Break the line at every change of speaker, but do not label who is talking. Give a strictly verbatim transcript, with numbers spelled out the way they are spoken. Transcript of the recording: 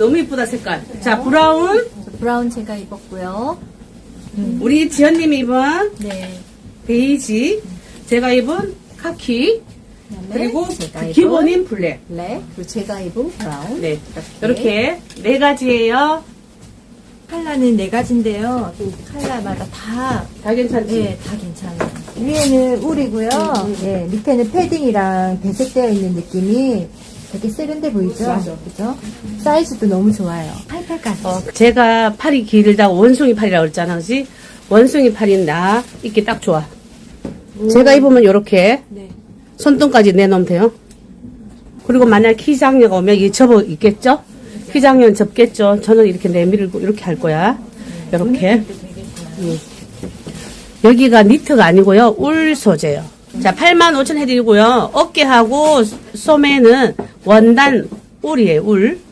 너무 이쁘다 색깔. 자 브라운.
브라운 제가 입었고요. 음.
우리 지연님이 입은
네.
베이지. 제가 입은 카키.
그다음에
그리고
제가
그
입은
기본인 블랙.
블랙. 그리고 제가 입은 브라운.
네. 이렇게 네 가지예요.
컬러는 네 가지인데요. 그 컬러마다 다,
다 괜찮지?
예, 다 괜찮아요. 위에는 울이고요.
음, 음.
예, 밑에는 패딩이랑 배색되어 있는 느낌이 되게 세련돼 보이죠?
맞아.
그죠? 사이즈도 너무 좋아요. 팔팔까지.
어, 제가 팔이 길다고 원숭이 팔이라고 그랬잖아, 그지? 원숭이 팔인 나 입기 딱 좋아. 제가 입으면 이렇게
네.
손등까지 내놓으면 돼요. 그리고 만약 키 장녀가 오면 이 접어 있겠죠? 키 장녀는 접겠죠? 저는 이렇게 내밀고 이렇게 할 거야. 이렇게. 음. 여기가 니트가 아니고요. 울 소재요. 자, 팔만 오천 해드리고요. 어깨하고 소매는 원단 울이에요, 울.